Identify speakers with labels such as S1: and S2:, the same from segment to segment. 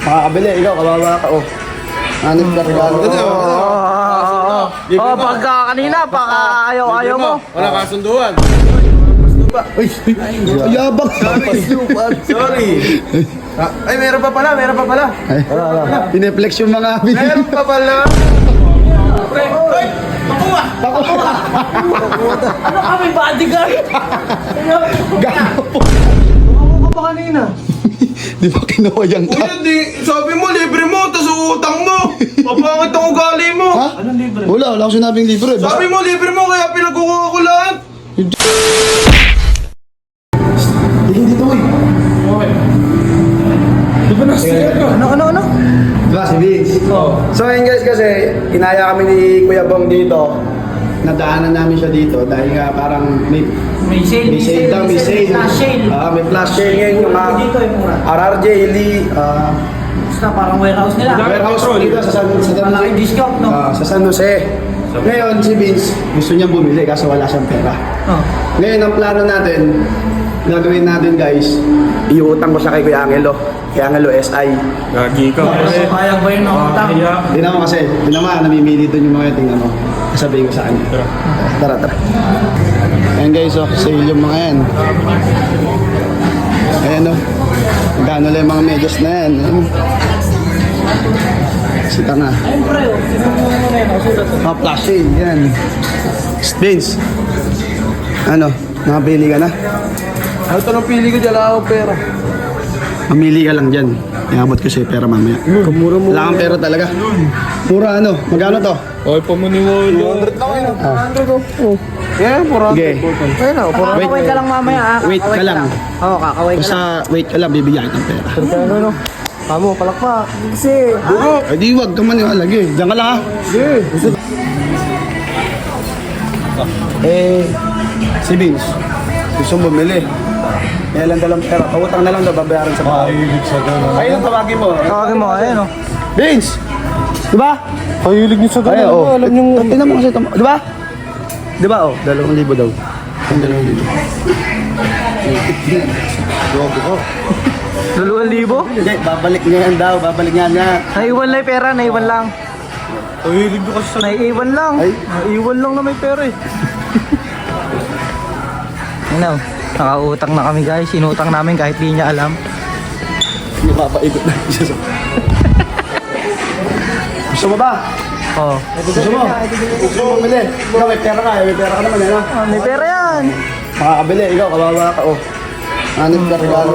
S1: Makakabili, ikaw, kawawa ka, oh. Hanip ka regalo.
S2: Pagka kanina, pagka ayaw mo.
S3: Wala kasunduan.
S1: Ay, yabang.
S3: Sorry. Ay, meron pa pala.
S1: Ay, pineflex yung mga abin.
S3: Meron pa pala.
S2: Ano kami, bodyguard?
S1: Gago.
S2: Ano ka pa kanina?
S1: Di ba kinuha ka?
S3: Kuya, sabi mo, libre mo, tas utang mo. Mapangit ang ugali mo.
S1: Ha?
S2: Anong libre?
S1: Wala akong sinabing libre.
S3: Sabi mo, libre mo, kaya pinagkukuha ko lahat.
S1: Tingin dito, uy.
S3: Di ba na-sticker ka?
S2: Ano?
S1: Diba si Vince? So yun guys, kasi kinaya kami ni Kuya Bong dito. Nadaanan namin siya dito dahil nga parang may
S2: May
S1: sale daw, may sale.
S2: Flash sale.
S1: May flash sale ngayon yung mga
S2: Dito yung mura.
S1: RRJ, Lee,
S2: Basta parang warehouse nila.
S1: warehouse dito sa San
S2: Malaking
S1: Jose.
S2: discount, no?
S1: Sa San Jose. Ngayon si Vince, gusto niyang bumili kaso wala siyang pera.
S2: Oh.
S1: Ngayon ang plano natin, gagawin natin guys, iutang ko siya kay Kuya Angelo. Kay Angelo SI.
S3: Gagi ka.
S2: Kaya ba yun ang utang?
S1: Tingnan mo kasi, tingnan mo, namimili doon yung mga yan, tingnan mo. Sabihin ko sa kanya. Tara. Ayan guys, oh, sale yung mga yan. Ayan oh. Magkano lang yung mga medyas na yan. Ayan. Sita nga.
S2: Ayun pre,
S1: Mga flash sale, yan. Vince. Ano, nakabili ka na?
S3: Ano ito nang pili ko dyan, wala akong pera.
S1: Mamili ka lang dyan. Iabot ko sa'yo pera mamaya.
S3: Kamura-mura.
S1: Wala kang pera talaga. Mura ano? Magkano to?
S3: Ay, pamuniwala. 200 lang yun. 200 oh. Yeah, 400.
S1: Sige.
S3: Ayun na, 400.
S2: Kakaway ka lang mamaya.
S1: Wait ka lang.
S2: Oo, kakaway ka lang.
S1: Basta wait ka lang, bibigyan kita ng pera.
S3: Ano? Kamo, palakpak. Kasi.
S1: Ay di wag ka man yung alagi. Diyan ka lang ha. Si Vince, gusto mo bumili. Kaya lang dalang pera. Pautang na lang daw, babayaran sa bahay. Ayun, tawagin mo.
S2: Tawagin mo, ayun o.
S1: Vince! Di ba?
S3: Kahilig niyo sa
S1: Ay,
S3: ganun.
S1: oh.
S3: Alam niyo.
S1: Tingnan mo kasi ito. Di ba? Di ba, oh? 2,000 daw. Ang 2,000.
S2: 2,000?
S1: Hindi, babalik niya yan daw. Babalik niya niya.
S2: Naiwan lang yung pera, naiwan lang.
S3: Kahilig niyo kasi sa...
S2: Naiwan lang.
S1: Ay.
S2: Naiwan lang na may pera eh. Ano, nakautang na kami guys. Inutang namin kahit di niya alam.
S1: Hindi papaikot na siya sa... Gusto mo ba?
S2: Oh.
S1: Gusto mo? Gusto mo bumili? Ikaw, may pera ka. May pera ka naman, ano?
S2: May pera yan.
S1: Makakabili. Ikaw, kawawa ka, oh. Hanip ka regalo.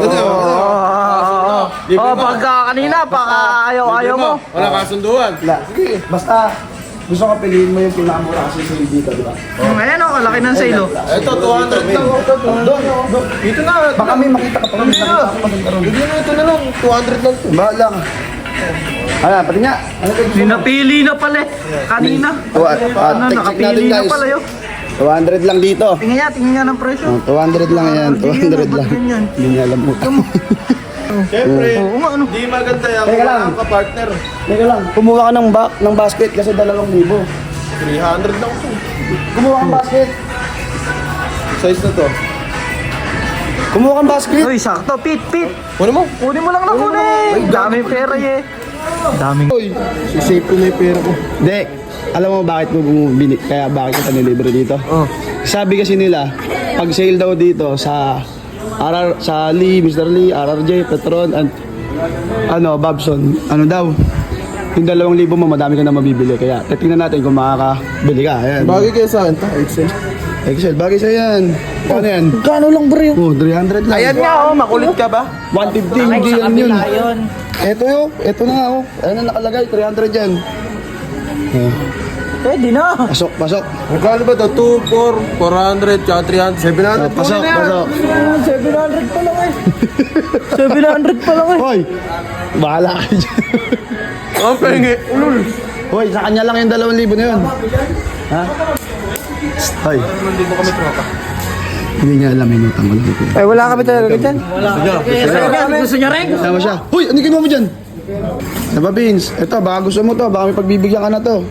S2: Pagka kanina, pagka ayaw mo.
S3: Wala kasunduan.
S1: Wala. Sige, basta gusto ko piliin mo yung pinakamura kasi sa dito, di ba?
S2: Ayan o, kalaki ng sale o.
S3: Ito, 200 lang.
S1: Doon.
S3: Ito na.
S1: Baka may makita ka pa kami.
S3: Hindi na, ito na lang. 200 lang.
S1: Bahala ka. Ayan, pati nga. Ano ito?
S2: Napili na pala eh. Kanina. Ano, nakapili na pala yun.
S1: 200 lang dito.
S2: Tingnan nga ng presyo.
S1: Oh, 200 lang yan. 200 lang.
S2: Ganyan.
S1: Hindi niya alam mo.
S3: Siyempre,
S2: Oo nga, ano.
S3: di maganda yan.
S1: Teka lang.
S3: Wala ka partner.
S1: Teka lang, kumuha ka ng basket kasi 2,000.
S3: 300 lang ito.
S1: Kumuha kang basket.
S3: Size na to.
S1: Kumuha kang basket.
S2: Uy, sakto. Pit.
S3: Kunin mo.
S2: Kunin mo lang na kunin. Daming pera eh. Daming.
S3: Sisave ko na yung pera ko.
S1: Hindi. Alam mo bakit ko bumili? Kaya bakit kita nilibre dito?
S2: Oh.
S1: Sabi kasi nila, pag sale daw dito sa sa Lee, Mr. Lee, RRJ, Petron, and Babson, ano daw? Yung 2,000 mo, madami ka na mabibili. Kaya tingnan natin kung makakabili ka. Ayan.
S3: Bagay kayo sa akin. Excel.
S1: Excel, bagay sa'yo yan. Ano yan?
S3: Kano lang bro?
S1: Oh, 300 lang.
S3: Ayan nga oh, makulit ka ba?
S1: 150, hindi yan yun. Ito yun, ito na nga oh. Ayan ang nakalagay, 300 yan. Oh.
S2: Pwede na.
S1: Pasok.
S3: Magkano ba ito? 2, 4, 400, tsaka 300, 700.
S1: Pasok.
S2: 700 pa lang eh. 700 pa lang eh.
S1: Hoy, bahala ka dyan.
S3: Ang pengi. Ulul.
S1: Hoy, sa kanya lang yung 2,000 na yun. Ha? Hoy.
S3: Hindi mo kami tropa.
S1: Hindi niya alam yung utang ko lang.
S2: Eh, wala kami talaga dyan. Gusto niya rin?
S1: Tama siya. Hoy, ano ginawa mo dyan? Diba, Vince? Ito, baka gusto mo to. Baka may pagbibigyan ka na to.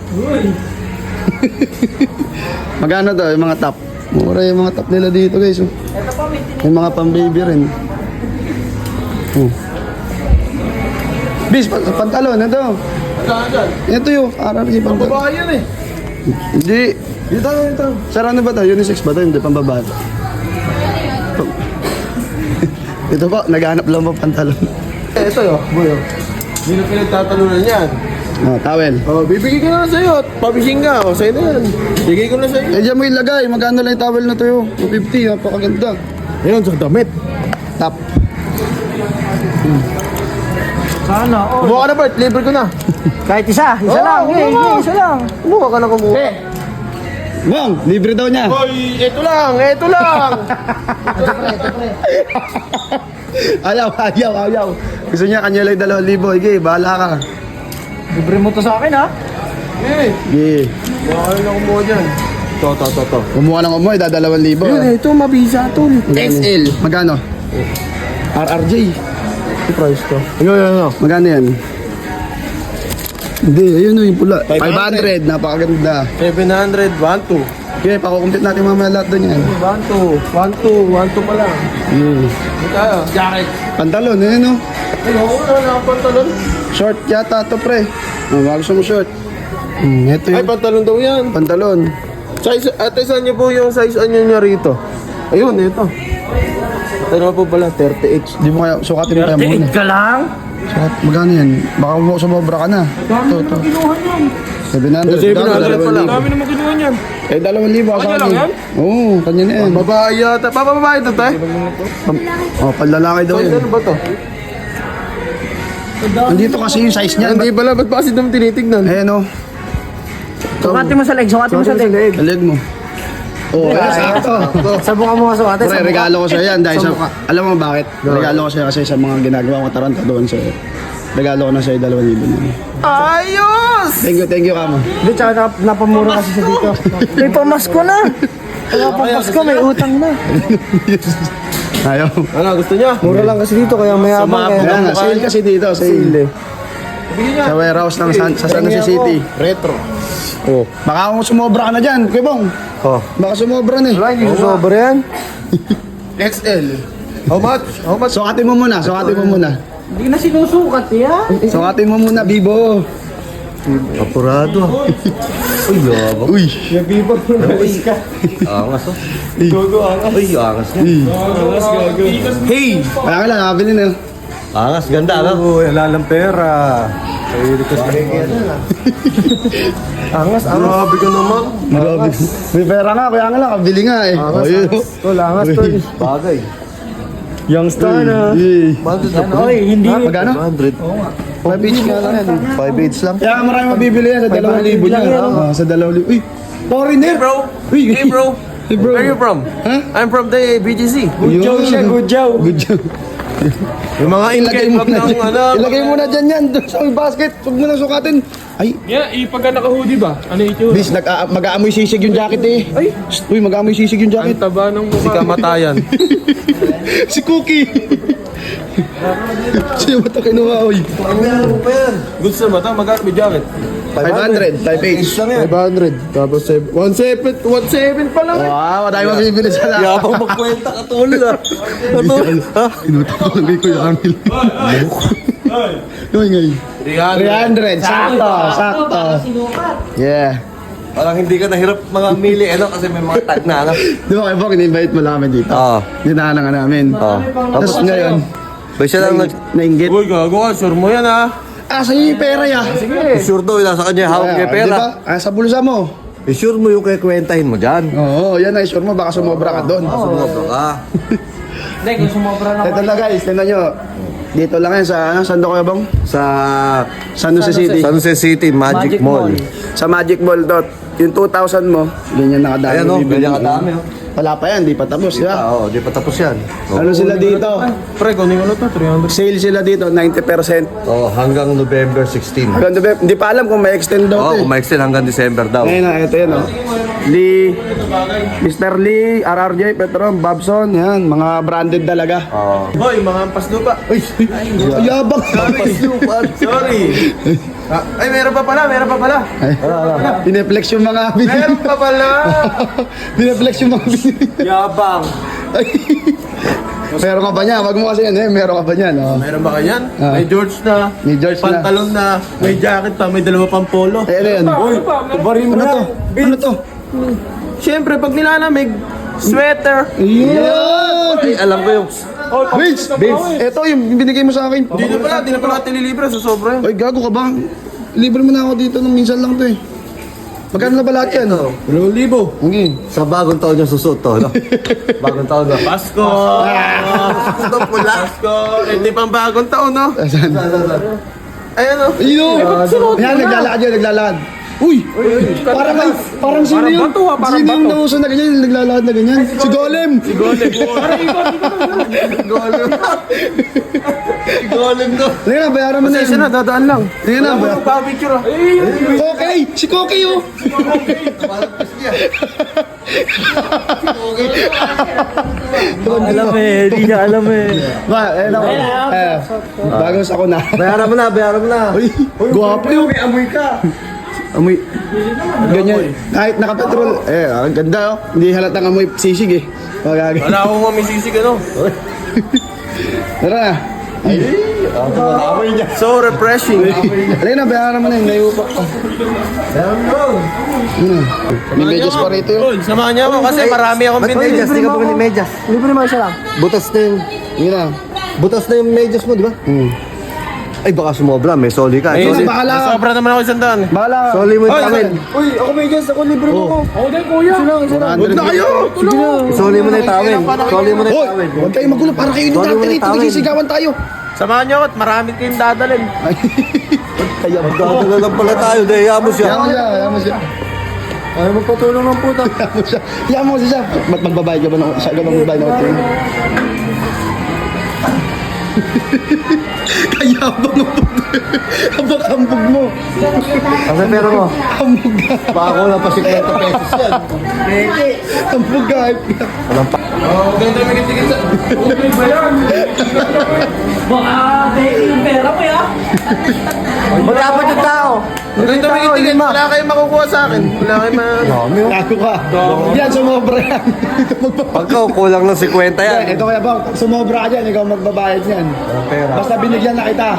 S1: Magkano to, yung mga top? Mura yung mga top nila dito, guys. Oh. Yung mga pang-baby rin. Oh. Bis, pantalon, ito. Ito yung RRG pantalon.
S3: Babae yan eh.
S1: Hindi.
S3: Ito.
S1: Sir, ano ba to? Unisex ba to? Hindi, pambabae. Ito po, naghanap lang po pantalon.
S3: Ito yun, boy. Hindi na pinagtatalunan yan.
S1: Oh, towel.
S3: Oh, bibigay ko na lang sa'yo at pabising ka. O, sa'yo na yan. Bigay ko na sa'yo.
S1: Eh, diyan mo ilagay. Magkano lang yung towel na to yun? 250, napakaganda.
S3: Ayun, sa damit.
S1: Top.
S2: Sana, oh.
S3: Kumuha ka na, Bart. Libre ko na.
S2: Kahit isa lang. Isa lang.
S3: Kumuha ka na kumuha.
S1: Bang, libre daw niya.
S3: Hoy, ito lang.
S1: Ayaw. Gusto niya kanya lang 2,000. Sige, bahala ka.
S2: Libre mo to sa akin, ha?
S3: Eh,
S1: Sige.
S3: kumuha ka na kumuha dyan. To.
S1: Kumuha ng umuwi, 2,000.
S3: Yun, ito, mabisa to.
S1: XL. Magkano? RRJ.
S3: Ito price to. Ayun.
S1: Magkano yan? Hindi, ayun o yung pula.
S3: 500.
S1: 500, napakaganda.
S3: 700, 1-2.
S1: Okay, pakukumpit natin mamaya lahat doon yan.
S3: 1-2 pa lang. Hindi tayo. Jacket.
S1: Pantalon, ayun o.
S3: Ano, wala na akong pantalon.
S1: Short yata to pre. Oh, bago sa mo short. Ito
S3: Ay,
S1: yung
S3: pantalon daw yan.
S1: pantalon.
S3: Size, ate, saan niyo po yung size ano niya rito? Ayun, ito. Ano po pala, 30H.
S1: Di mo kaya, sukatin mo kaya muna.
S2: ka lang?
S1: Sukat, magkano yan? Baka mo sumobra ka na. Ito.
S2: Kinuha niyan.
S1: 700.
S3: 700 pala.
S2: Dami naman kinuha niyan.
S1: Eh, 2,000 ako sa
S3: Kanya lang
S1: akin.
S3: yan?
S1: Oo, kanya na yan.
S3: Babae yata. Babae ito, tay?
S1: Oh, panlalaki daw
S3: Size
S1: yan.
S3: ano ba to?
S1: Nandito kasi yung size niya.
S3: Hindi pala, ba't pa kasi naman tinitignan?
S1: Ayan o.
S2: Sukatin mo sa leg, sukatin mo sa leg.
S1: Sa leg mo. Oh, ayan, sakto.
S2: Sabukan mo nga sukatin.
S1: Pre, regalo ko sa'yo yan dahil sa... Alam mo bakit? Regalo ko sa'yo kasi sa mga ginagawa ko taranta doon sa'yo. Regalo ko na sa'yo 2,000 na.
S3: Ayos!
S1: Thank you, Kama.
S2: Hindi, tsaka napamura kasi sa dito. May pamasko na. Pamasko, may utang na.
S1: Ayaw.
S3: Ano, gusto niya?
S2: Mura lang kasi dito, kaya may abang.
S1: Kaya nga, sale kasi dito, sale.
S3: Bigyan niya.
S1: Sa warehouse ng sa San Jose City.
S3: Retro.
S1: Oh. Baka kung sumobra ka na dyan, Kuya Bong.
S3: Oh.
S1: Baka sumobra na eh.
S3: Wala, hindi sobra yan. XL. How much?
S1: Sukatin mo muna.
S2: Hindi na sinusukat yan.
S1: Sukatin mo muna, Bibo.
S3: Apurado. Uy, yabang.
S1: Uy.
S3: Angas oh. Uy, angas niya. Hey!
S1: Kaya ka lang, nakabili na.
S3: Angas, ganda ka.
S2: Wala lang pera. Angas,
S3: Grabe ka naman.
S1: Grabe. May pera nga, kaya nga lang, kabili nga eh. Ayun.
S2: Tol, angas, tol.
S3: Bagay.
S2: Youngstar na.
S1: Eh.
S2: Oy, hindi.
S1: Magkano?
S3: 100.
S1: 5 each nga lang yan.
S3: 5 each lang.
S1: Kaya marami mabibili yan sa 2,000
S2: lang
S1: yan.
S2: yan.
S1: Ah, sa 2,000. Uy, foreigner.
S3: Hey bro.
S1: Uy,
S3: Hey bro.
S1: Hey bro.
S3: Where are you from?
S1: Huh?
S3: I'm from the BGC.
S1: Good
S2: job siya, good job.
S1: Good job.
S3: Yung mga
S1: Ilagay
S3: in-game
S1: mo na
S3: ng
S1: dyan.
S3: ano.
S1: Ilagay mo na dyan yan. Doon sa may basket. Huwag mo na sukatin. Ay,
S4: Yeah, pagka naka-hoodie ba? Ano ito?
S1: bis, mag-aamoy sisig yung jacket eh. Ay, uy, mag-aamoy sisig yung
S4: Ang
S1: jacket.
S4: taba ng
S3: Si
S4: mukha.
S3: kamatayan.
S1: Si Cookie. Sino ba ito kinuha, uy?
S3: Gusto mo ito? Magkano may jacket?
S1: 500, 5
S3: 500. Tapos 1.7 pa lang.
S1: Wow, madami mabibili sa lahat.
S3: Yabang magkwenta ka tol ah. Ano? Ha?
S1: Inutak ko lang kay Kuya Amil. Ngayon. 300, sakto. Yeah.
S3: Parang hindi ka nahirap mga mili ano kasi may mga tag na ano.
S1: Di ba kayo po, in-invite mo lang kami dito?
S3: Oo.
S1: Dinaanan ka namin. Tapos ngayon,
S3: Ba siya lang nag...
S1: nainggit.
S3: Uy, gago ka. Sure mo yan ah.
S1: Sa'yo yung pera ya.
S3: Sure daw, nasa kanya hawak niya
S1: Di
S3: pera.
S1: ba? Sa bulsa mo.
S3: Sure mo yung kikwentahin mo dyan.
S1: Oo, yan ay sure mo, baka sumobra ka doon.
S3: Sumobra ka.
S2: Hindi, kung sumobra na.
S1: Ito na guys, tingnan nyo. Dito lang yan sa, saan daw kayo bang?
S3: Sa
S1: San Jose City.
S3: San Jose City Magic Mall.
S1: Sa Magic Mall dot. Yung 2,000 mo, ganyan nakadami.
S3: Ayan o,
S1: bibili.
S3: ganyan kadami oh.
S1: Wala pa yan, di pa tapos. Di ba?
S3: Oo, di pa tapos yan.
S1: Ano sila dito?
S4: Pre, kunin ko na to, 300.
S1: Sale sila dito, 90%.
S3: Oh, hanggang November 16.
S1: Hanggang November, hindi pa alam kung may extend daw
S3: Oo,
S1: to eh.
S3: kumaextend hanggang December daw.
S1: Ngayon na, ito yan o. Lee, Mr. Lee, RRJ, Petron, Babson, yan, mga branded talaga.
S3: Oo.
S4: Hoy, mga ampas lupa.
S1: Ay, yabang.
S4: Sorry.
S3: Ay, meron pa pala.
S1: Ay, pineflex yung mga binili.
S3: Meron pa pala.
S1: Pineflex yung mga binili.
S3: Yabang.
S1: Ay, Meron ka ba niya? Wag mo kasi yan eh. Meron ka ba niyan? Oh.
S3: Meron ba kanyan?
S1: Ah.
S3: May George na.
S1: May George na.
S3: Pantalon na. May jacket pa. May dalawa pang polo.
S1: Eh, ano yan?
S3: Uy, kubarin mo
S1: Ano
S3: na.
S1: to? Ano to?
S3: Siyempre, pag nilalamig, sweater.
S1: Yan!
S3: Ay, alam ko yung...
S1: Vince! Ito yung binigay mo sa akin.
S3: Di na pala tinilibre sa sobra yun.
S1: Ay, gago ka ba? Libre mo na ako dito nung minsan lang to eh. Magkano na ba lahat yan?
S3: 2,000.
S1: Okay.
S5: Sa bagong taon niya susuot to, no? Bagong taon na.
S3: Pasko! Ito pula. Pasko! Hindi pang bagong taon, no?
S1: Asan?
S3: Ayan, no?
S1: Ayun! Yan, naglalakad yan, naglalakad. Uy! Parang sino yun? Sino yung nauso na ganyan, yung naglalakad na ganyan? Si Golem! Si Golem!
S3: Golem. Golem, no?
S1: Tingnan na, bayaran mo na
S3: Isa
S1: yun.
S3: na, dadaan lang.
S1: Tingnan na, bayaran.
S3: Pa-picture, ah.
S1: Kokey! Si Kokey oh!
S2: Alam eh, di niya alam eh.
S1: Ba, eh, ako. Bagos ako na.
S5: Bayaran mo na, bayaran mo na.
S1: Uy, guwapo yun. May amoy ka. Amoy. Ganyan. Kahit nakapetrol. Eh, ang ganda oh. Hindi halatang amoy sisig eh. Magagay.
S3: Wala akong mamisisig, ano?
S1: Tara na.
S3: So refreshing.
S1: Alay na, bayaran mo na yun. Nayupak ka. May medyas pa rito yun.
S3: Tol, samahan niya ako kasi marami akong
S5: Ba't
S3: binili.
S5: medyas? Di ka bumili medyas.
S2: Libre mo isa lang.
S5: Butas na yung...
S1: Yun na.
S5: Butas na yung medyas mo, di ba? Ay, baka sumobra. May soli ka.
S3: Ayun,
S5: Soli,
S1: bahala ka.
S3: sobra naman ako 100.
S1: Bahala ka.
S5: soli mo yung tawin.
S2: Uy, ako may gas, ako libre mo ko.
S4: Ako din, kuya.
S2: Isa lang.
S1: Huwag na kayo!
S5: Soli mo na yung tawin. Soli mo na yung
S1: Hoy!
S5: tawin.
S1: Huwag kayong magulo. Para kayo
S5: Sorry,
S1: dati
S5: wala
S1: rito.
S5: tawin.
S1: Nagsigawan tayo.
S3: Samahan niyo ako at marami kayong dadalhin.
S1: Kaya
S5: Magdadala lang pala tayo. Dahil mo siya.
S1: Yaman siya. Yaman siya.
S2: Ay, magpatulong ng puta.
S1: Yaman siya. Yaman mo siya. Ba't magbabayad ka ba ng... Siya ka ba magbabayad ng hotel? Kaya ba mo? Abang ambog mo.
S5: Kasi pero mo.
S1: Ambog ka.
S5: Baka ko lang pa 50 pesos yan.
S1: Ambog ka.
S3: Oh, ganda may kitigil sa...
S2: Baka yung pera mo ya.
S5: Magkapot yung tao.
S3: Ganda may kitigil. Wala kayong makukuha sa akin. Wala kayong
S1: Gago ka. Yan, sumobra yan.
S5: Pagka kulang ng 50 yan.
S1: Ito kaya bang, sumobra ka dyan, ikaw magbabayad yan. Basta binigyan na kita.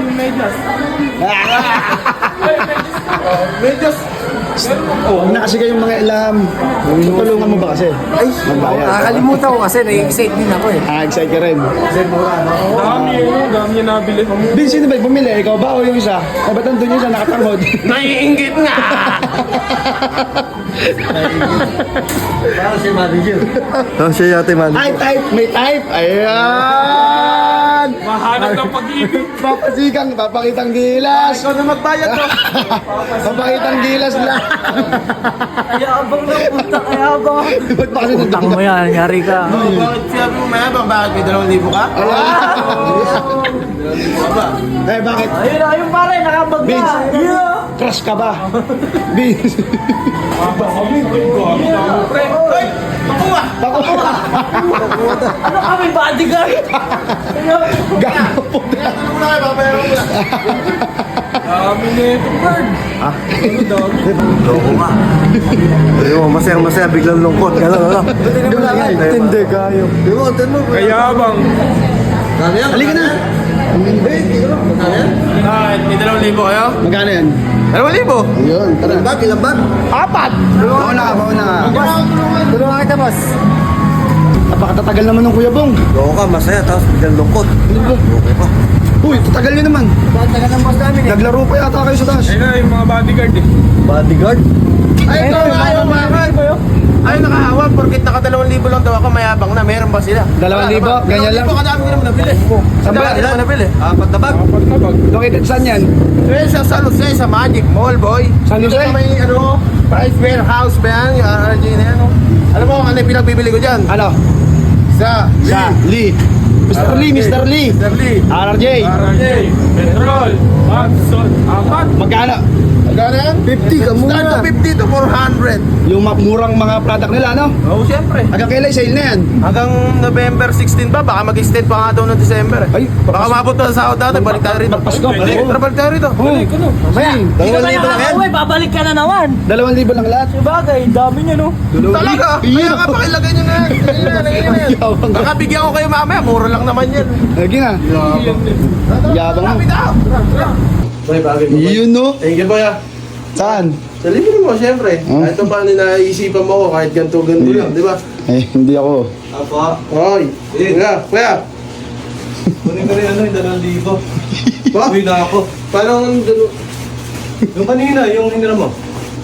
S3: Medyas.
S1: Huwag na kasi kayong mga ilam. Tutulungan mo ba kasi?
S5: Ay,
S1: Magbayad.
S5: nakakalimutan ko kasi na-excite din ako eh.
S1: Ah, excited ka rin.
S4: Dami niya nabili.
S1: Bin, sino ba yung bumili? Ikaw ba o yung isa? Eh, ba't nandun yung isa nakatangod?
S3: Naiingit nga.
S5: Parang si manager. Oh, siya yata yung manager.
S1: Ay, type! May type! Ayan!
S4: Mahanap ng pag-ibig.
S1: Papasikang, papakitang gilas!
S3: Ikaw na magbayad to.
S1: Papakitang gilas lang!
S2: Ayabang na puta, ayabang.
S1: Ba't pa kasi
S2: Utang mo yan, nangyari ka.
S3: Bakit sinabi mo mayabang? Bakit may 2,000 ka?
S1: Eh, bakit?
S2: Ayun pare, nakabag na.
S1: Vince.
S2: Yeah.
S1: Crush ka ba? Vince!
S3: Pre, hoy! Makuha!
S2: Ano kami, bodyguard?
S1: Gago po na!
S3: Ano na kayo? Papayaran mo na.
S4: Dami nito, bird.
S5: Loko nga. Ayun, masaya-masaya, biglang lungkot. Gano'n, ano?
S1: Hindi kayo.
S5: Di mo, tignan mo.
S4: Kayabang.
S5: Gano'n yan?
S1: Halika na!
S3: Ah, may 2,000 kayo?
S1: Magkano yan?
S3: 2,000?
S1: Ayun, tara.
S5: Ilang bag? Ilang bag?
S1: Bauna ka, bauna ka.
S5: Tulungan kita, boss.
S1: Napakatatagal naman ng Kuya Bong.
S5: Loko ka, masaya, tapos biglang lungkot. Okay pa.
S1: Uy, tatagal nyo naman.
S5: Tagal ng boss namin
S1: Naglaro pa yata kayo sa taas.
S4: Ayun na, yung mga bodyguard eh.
S5: Bodyguard?
S3: Ay, ito, ayaw makan. Ay, nakahawa. Porkit naka 2,000 lang daw ako, mayabang na. Meron ba sila?
S1: 2,000? Ganyan lang?
S3: 2,000 kadami ko naman nabili.
S1: Saan ba?
S3: Kadami naman nabili.
S5: Apat na bag?
S4: Pagtabag.
S1: Located saan yan?
S3: Eh, sa San Jose, sa Magic Mall, boy.
S1: San Jose?
S3: Dito may, price warehouse ba yan? Yung RRG na yan, no? Alam mo kung ano yung pinagbibili ko dyan?
S1: Ano?
S3: Sa
S1: Sa Lee. Mr. Lee, Mr. Lee.
S3: Mr. Lee.
S1: RRJ.
S4: RJ, Petrol, Babson, apat.
S1: Magkano?
S3: Magkano yan?
S1: 50 ka muna.
S3: Start to 50 to 400.
S1: Yung murang mga product nila, no?
S3: Oo, siyempre.
S1: Hanggang kailan sale na yan?
S3: Hanggang November 16 ba? Baka mag-extend pa nga daw ng December.
S1: Ay,
S3: Baka mabot na sa sahod natin. Balik tayo rito.
S1: Magpasko.
S3: Balik. Tara, balik tayo rito.
S4: Balik ko no.
S1: Mamaya.
S2: Hindi ka ba nakakauwi, babalik ka na naman.
S1: 2,000 lang lahat.
S2: Sabagay, dami niya no.
S3: Talaga? Kaya nga pakilagay nyo na yan. Ganyan na yan. Baka bigyan ko kayo mamaya. Mura lang naman yan.
S1: Lagi na. Yabang mo.
S3: Lapit ako. Boy, bagay mo.
S1: Yun, no?
S3: Thank you, boy.
S1: Saan?
S3: Sa libre mo, siyempre. Kahit pa paano naisipan mo ko, kahit ganto-ganto lang, di ba?
S1: Eh, hindi ako.
S5: Apa?
S3: Hoy, kuya.
S5: Kunin ko rin ano, yung 2,000.
S3: Ba?
S5: Uwi na ako.
S3: Paano ang
S5: Yung kanina, yung hinira mo.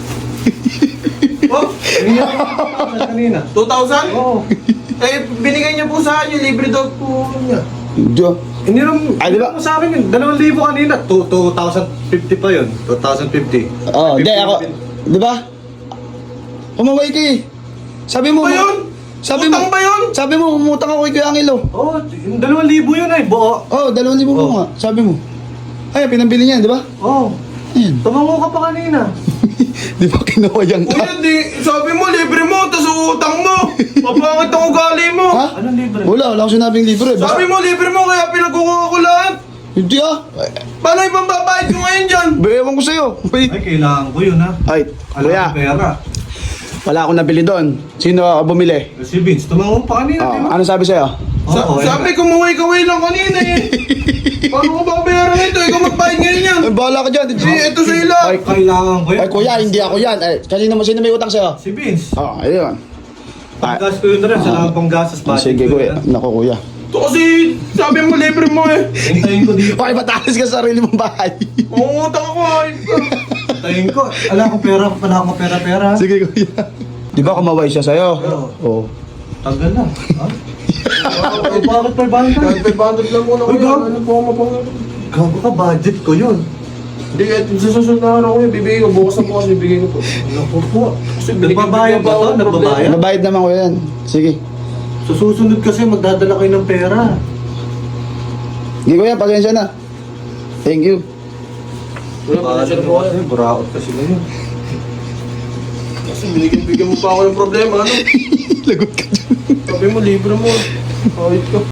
S3: Oh,
S5: Kanina.
S3: 2,000?
S5: Oo.
S3: Eh, binigay niya po sa akin yung libre daw po niya.
S1: Diyo.
S5: Hinira mo.
S1: Ay, di ba?
S5: Mo sa akin yun. 2,000 kanina. 2,050 pa yun. 2,050.
S1: Oo, hindi ako. Di ba? Umaway ka eh. Sabi mo.
S3: Ba yun?
S1: Sabi mo.
S3: Utang ba yun?
S1: Sabi mo, umutang ako kay Kuya Angelo.
S5: Oo, yung 2,000 yun ay. Buo.
S1: Oo, 2,000 mo nga. Sabi mo. Ay, pinambili niya, di ba?
S5: Oo.
S1: Ayan.
S5: Tumango ka pa kanina.
S1: Di ba kinawayang ka?
S3: Kuya, sabi mo libre mo, tas utang mo. Mapangit ang ugali mo.
S1: Ha?
S5: Anong libre?
S1: Wala akong sinabing libre. Basta,
S3: Sabi mo libre mo, kaya pinagkukuha ko lahat.
S1: hindi ah.
S3: Paano ibang babayad ko ngayon dyan?
S1: Ewan ko sa'yo.
S5: Ay, kailangan ko yun ha.
S1: Ay,
S5: Alam
S1: Kuya,
S5: ko pera.
S1: wala akong nabili doon. Sino bumili?
S5: Si Vince, tumango pa kanina, di ba?
S1: Ano sabi sa'yo?
S5: Oo,
S3: Sabi ko kaway lang kanina eh. Paano ko babayaran ito? Ikaw magbayad ngayon yan.
S1: Ay, bahala ka dyan.
S3: Ito sa ila.
S1: Ay,
S5: Kailangan ko yun.
S1: ay, Kuya, hindi ako yan. Ay, sino may utang sa'yo?
S5: Si Vince.
S1: Ayun.
S5: Paggas ko yun na rin, sa lang pang gastos.
S1: Sige, Kuya. Naku, Kuya.
S3: Ito kasi sabi mo libre mo eh.
S5: Hintayin ko dito.
S1: Bakit matalas ka sa sarili mong bahay?
S3: Mangungutang ako ay.
S5: Hintayin ko. Wala akong pera, wala akong pera-pera.
S1: Sige, Kuya. Di ba kumaway siya sa'yo? Oo.
S5: Tagal na. Ha? Bakit pa ba ka?
S3: Kahit 500 lang muna ko
S5: Uy,
S3: yan.
S5: gago.
S3: Ano po ako mapangit?
S5: Gago ka, budget ko yun.
S3: Hindi, sa susunod na araw ko yun, bibigay ko. Bukas na bukas, bibigay ko po.
S5: Naku po.
S3: Kasi
S5: Nagbabayad ba to? Nagbabayad?
S1: Nabayad naman ko yan. Sige.
S5: Sa susunod kasi magdadala kayo ng pera.
S1: Sige, Kuya, pasensya na. Thank you.
S3: Wala pa siya po.
S5: Buraot kasi ngayon.
S3: Kasi binigyan mo pa ako ng problema, ano?
S1: Lagot ka dyan.
S3: Sabi mo, libre mo. Kahit ka.